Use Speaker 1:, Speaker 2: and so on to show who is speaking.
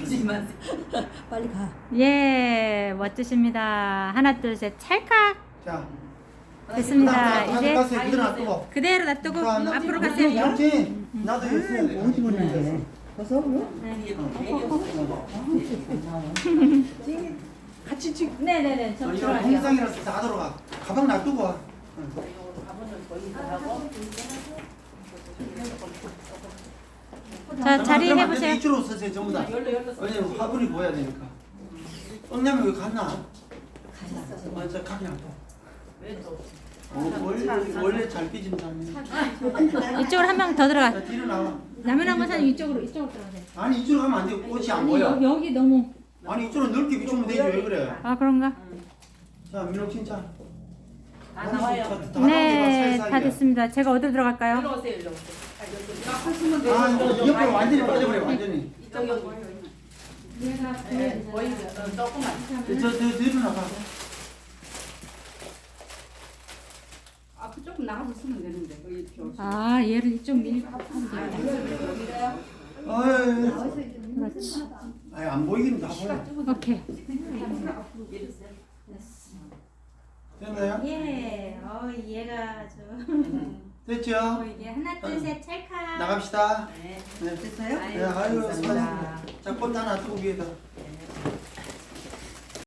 Speaker 1: 만지지 마세요.
Speaker 2: 빨리 가.
Speaker 3: 예, 멋지십니다. 하나, 둘, 셋, 찰칵.
Speaker 4: 자,
Speaker 3: 됐습니다. 이제
Speaker 4: 가세요. 그대로 놔두고.
Speaker 3: 그대로 놔두고
Speaker 4: 자,
Speaker 3: 앞으로 가세요.
Speaker 4: 그렇지. 나도 이거 써야 돼.
Speaker 2: 어디 보내는데? 벌써?
Speaker 1: 같이 찍.
Speaker 3: 네네네. 저
Speaker 4: 이거
Speaker 3: 들어갈게요.
Speaker 4: 동상이라서 다 들어가. 가방 놔두고 와.
Speaker 3: 자, 자리
Speaker 4: 그러면 안 돼.
Speaker 3: 해보세요.
Speaker 4: 이쪽으로 서세요 전부 다. 왜냐면 화분이 보여야 되니까. 언니는 왜 갔나? 맞아, 가긴 안 돼. 원래 잘 삐진 사람이.
Speaker 3: 이쪽으로 한 명 더 들어가.
Speaker 4: 자, 뒤로 나와.
Speaker 3: 남해남 권사님 이쪽으로 들어가세요.
Speaker 4: 아니 이쪽으로 가면 안 돼. 꽃이 안
Speaker 3: 아니
Speaker 4: 보여.
Speaker 3: 여기 너무.
Speaker 4: 아니 이쪽으로 넓게 비추면 되지 왜 그래?
Speaker 3: 아 그런가?
Speaker 4: 자, 민호 칭찬.
Speaker 1: 다 나와요.
Speaker 3: 네, 다 됐습니다. 제가 어디로 들어갈까요?
Speaker 1: 일로 오세요. 일로 오세요. 쓰면 돼요.
Speaker 4: 아, 옆으로 완전히 빠져버려 완전히.
Speaker 1: 이쪽 여기. 보이죠? 조금만.
Speaker 4: 저 뒤로 나가.
Speaker 1: 앞으로 조금 나가서 쓰면 되는데. 이렇게 오시면.
Speaker 3: 아 얘를 이쪽 밀.
Speaker 4: 어이.
Speaker 3: 그렇지.
Speaker 4: 아니 안 보이긴 다 보여.
Speaker 3: 오케이.
Speaker 4: 됐나요?
Speaker 3: 예. 얘가 아주.
Speaker 4: 됐죠?
Speaker 3: 이게 하나 둘 셋 찰칵.
Speaker 4: 나갑시다.
Speaker 1: 네.
Speaker 4: 네.
Speaker 1: 됐어요?
Speaker 4: 네, 아유, 수고하셨습니다. 자, 꽃 하나 두고 위에다.